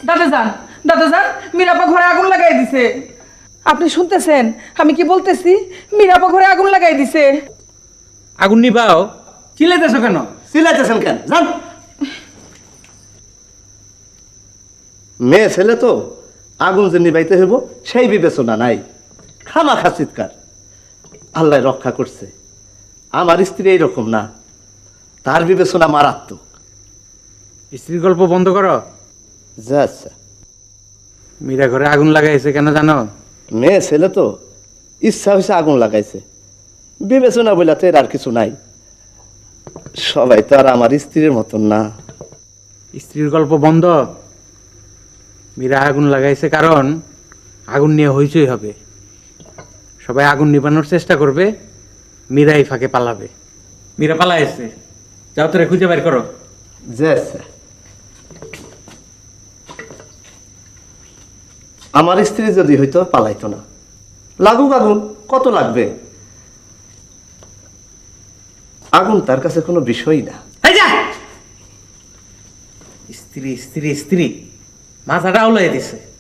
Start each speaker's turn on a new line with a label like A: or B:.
A: দাদা যান মীরাপা ঘরে আগুন লাগাই দিছে। আপনি শুনতেছেন আমি কি বলতেছি? মীরাপা ঘরে আগুন লাগাই দিছে।
B: আগুন নিবাও, চিল্লাইতেছো কেন?
C: চিল্লাইতেছেন কেন? জান মেয়ে ছেলে তো আগুন যে নিবাইতে হইব সেই বিবেচনা নাই, খামাখা চিৎকার। আল্লাহ রক্ষা করছে, আমার স্ত্রী এইরকম না, তার বিবেচনা মারাত্মক।
B: স্ত্রীর গল্প বন্ধ করো।
C: যা আচ্ছা,
B: মীরা ঘরে আগুন লাগাইছে কেন জানো?
C: মেয়ে ছেলে তো ইচ্ছা হয়েছে আগুন লাগাইছে, বিবেচনা বলে তো এর আর কিছু নাই। সবাই তো আর আমার স্ত্রীর মতন না।
B: স্ত্রীর গল্প বন্ধ। মীরা আগুন লাগাইছে কারণ আগুন নিয়ে হইচই হবে, সবাই আগুন নিবানোর চেষ্টা করবে, মীরা এই ফাঁকে পালাবে। মীরা পালাইছে, যাও তোরে খুঁজে বের করো।
C: যে আচ্ছা, আমার স্ত্রী যদি হইতো পালাইতো না। লাগুক আগুন, কত লাগবে? আগুন তার কাছে কোনো বিষয়ই না।
B: এই যা! স্ত্রী স্ত্রী স্ত্রী মাথাটা উলাই দিছে।